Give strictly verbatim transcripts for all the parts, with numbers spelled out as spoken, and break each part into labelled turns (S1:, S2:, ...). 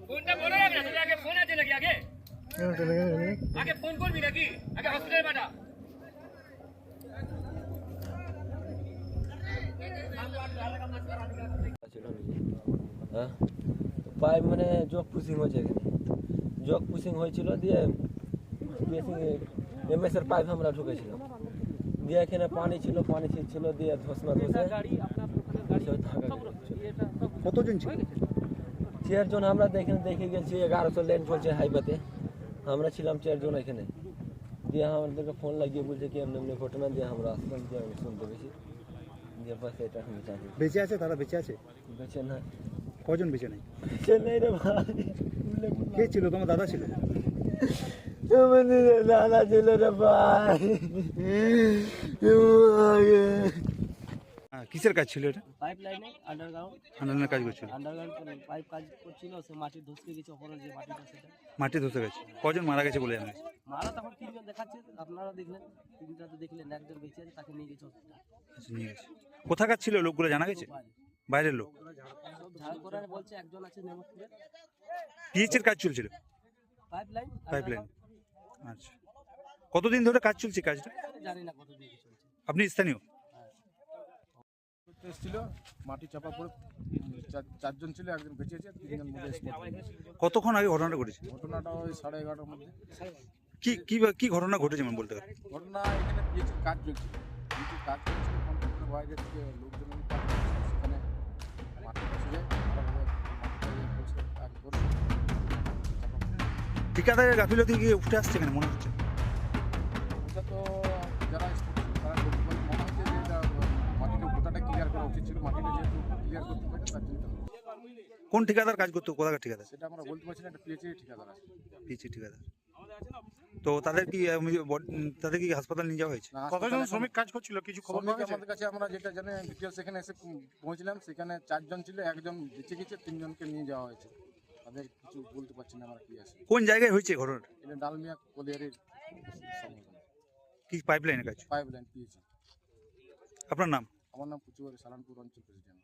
S1: ফোনটা বলো না, তোর আগে ফোন আছে নাকি? আগে আগে ফোন করবি নাকি? আগে হসপিটালে পাঠা।
S2: হ্যাঁ পাইপ মানে জগ পুশিং হয়েছে এখানে, জগ পুশিং হয়েছিল দিয়ে এম এস এর পাইপ আমরা ঢুকেছিলাম, দিয়ে এখানে পানি ছিল, পানি ছিল দিয়ে ধসনা ধসে
S3: কতজন ছিল?
S2: চারজন আমরা এখানে দেখে গেছি, এগারোশো লেন চলছে হাইওয়েতে, আমরা ছিলাম চারজন এখানে। দিয়ে আমাদেরকে ফোন লাগিয়ে বলছে কি এমনি এমনি ঘটনা, দিয়ে আমরা আসলাম, দিয়ে আমি শুনতে পেয়েছি, দিয়ে বাস এটা আমি চাই।
S3: বেঁচে আছে তারা? বেঁচে আছে?
S2: বেঁচে না।
S3: কজন বেঁচে নেই?
S2: বেঁচে নেই রে ভাই।
S3: কে ছিল? তোমার দাদা ছিল?
S2: দাদা ছিল রে ভাই।
S3: কিসের কাজ ছিল এটা?
S4: পাইপ লাইনে আন্ডারগ্রাউন্ড
S3: আন্দোলনের কাজ করছিল?
S4: আন্ডারগ্রাউন্ড পাইপ কাজ করছিল, সে মাটি ধসকে গেছে, ওপরে যে মাটিটা সেটা
S3: মাটি ধসে গেছে। কজন মারা গেছে বলে জানা গেছে?
S4: মারা তখন তিনজন দেখাচ্ছে, আপনারা দেখলেন, তিনটা তো দেখলেন, একজন বেঁচে আছে, তাকে নিয়ে গেছে হসপিটাল।
S3: আচ্ছা, নিয়ে গেছে। কোথাকার ছিল লোকগুলো জানা গেছে? বাইরের লোক?
S4: সব ঝাড়খণ্ড বলছে, একজন আছে নেমতপুরে।
S3: পিএইচের কাজ চলছিল?
S4: Pipeline
S3: pipeline. আচ্ছা, কতদিন ধরে কাজ চলছে কাজটা?
S4: জানি না কত দিয়ে চলছে।
S3: আপনি স্থানীয়?
S5: এসেছিল, মাটি চাপা পড়ে চার- চারজন ছিল, একজন বেঁচে আছে, তিনজন মধ্যে স্পট।
S3: কতক্ষণ আগে ঘটনাটা ঘটেছে?
S5: ঘটনাটা ওই সাড়ে এগারোটার মধ্যে।
S3: কি কি কি ঘটনা ঘটেছে মানে বলতে পারেন?
S5: ঘটনা এখানে পিএইচের কাজ চলছিল, পিএইচের কাজ চলছিল, কন্ট্রাক্টরের বাইরে থেকে লোকজন এনে কাজ করছে, সেখানে মাটি বসে ভালোভাবে মাটিটা ইয়ে করছে, কাজ করছে, চাপা পড়ে।
S3: ঠিকাদারের গাফিলতি কি উঠে আসছে এখানে মনে হচ্ছে?
S5: এটা তো যারা স্পট ছিল তারা করতে পারে, মনে হচ্ছে যে এটা মাটিটা গোটাটা ক্লিয়ার করা উচিত ছিল, মাটিটা যেহেতু ক্লিয়ার করতে পারে তার জন্য এটা হচ্ছে।
S3: কোন ঠিকাদার কাজ করতো? কোথাকার ঠিকাদার?
S5: সেটা আমরা বলতে পারছি না, এটা পিএইচের ঠিকাদার আছে।
S3: পিএইচি ঠিকাদার। তো তাদের কি আহ, বড- তাদের কি হাসপাতাল নিয়ে যাওয়া হয়েছে?
S5: না, কতজন শ্রমিক কাজ করছিল কিছু খবর পাওয়া গেছে? আমাদের কাছে আমরা যেটা জানি ডিটেলস সেখানে এসে পৌঁছলাম, সেখানে চারজন ছিল, একজন বেঁচে গেছে, তিনজনকে নিয়ে যাওয়া হয়েছে। তাদের কিছু বলতে পারছি না আমরা কি আছে।
S3: কোন জায়গায় হয়েছে ঘটনাটা?
S5: এটা ডালমিয়া কলিয়ারির সংগঠন,
S3: কি পাইপ লাইনের কাজ?
S5: পাইপ লাইন পিএইচি।
S3: আপনার নাম?
S5: আমার নাম কুচুয়ারি, সালানপুর অঞ্চল প্রেসিডেন্ট।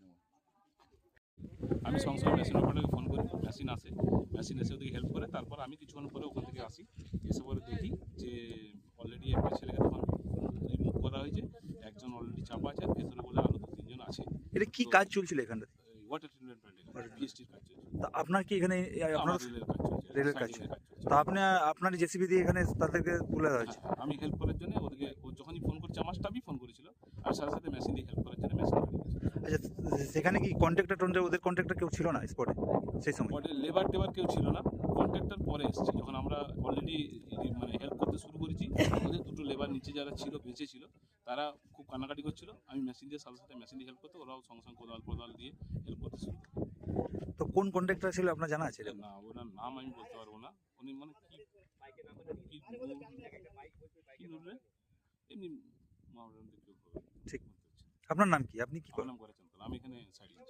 S6: আমি সঙ্গে সঙ্গে মেশিন অপারেটরকে ফোন করি, মেশিন আসে, মেশিন এসে ওদেরকে হেল্প করে, তারপর আমি কিছুক্ষণ পরে ওখান থেকে আসি, এসে পরে দেখি যে অলরেডি একটা ছেলেকে তখন রিমুভ করা হয়েছে, একজন অলরেডি চাপা আছে, ভেতরে বলে আরও দু তিনজন আছে।
S3: এটা কি কাজ চলছিল এখানটাতে?
S6: ওয়াটার ট্রিটমেন্ট প্ল্যান্টে পিএসটির কাজ চলছে,
S3: তা আপনার কি এখানে আপনার
S6: আমার রেলের কাজ চলছে,
S3: রেলের কাজ?
S6: সাইডিংয়ের কাজ চলছে।
S3: তা আপনি আপনার জেসিবি দিয়ে এখানে তাদেরকে তুলে দেওয়া হয়েছে?
S6: হ্যাঁ, আমি হেল্প করার জন্য ওদেরকে, ও যখনই ফোন করছে, আমার স্টাফই ফোন করেছিল, আর সাথে সাথে মেশিন দিয়ে হেল্প করার জন্য মেশিন পাঠিয়ে দিয়েছে।
S3: আচ্ছা, সেখানে কি কন্ট্রাক্টর টন্ট্রাক্টর ওদের কন্ট্রাক্টর কেউ ছিল না স্পটে সেই সময়?
S6: পরে লেবার টেবার কেউ ছিল না, কন্ট্রাক্টর পরে এসেছে, যখন আমরা অলরেডি মানে হেল্প করতে শুরু করেছি, ওদের দুটো লেবার নিচে যারা ছিল, বেঁচে ছিল, তারা খুব কান্নাকাটি করছিল, আমি মেশিন দিয়ে সাথে সাথে মেশিন দিয়ে হেল্প করতে, ওরাও সঙ্গে সঙ্গে কোদাল কোদাল দিয়ে হেল্প করতে শুরু করে।
S3: তো কোন কন্ট্রাক্টর ছিল আপনার জানা আছে?
S6: না, ওনার নাম আমি বলতে পারবো না, উনি মানে কি কি কি বলবে এমনি মামলার কেউ
S3: ঠিক। আপনার নাম কি? আপনি কি
S6: আমার
S3: করেন?
S6: নাম করেছেন, আমি এখানে সাইড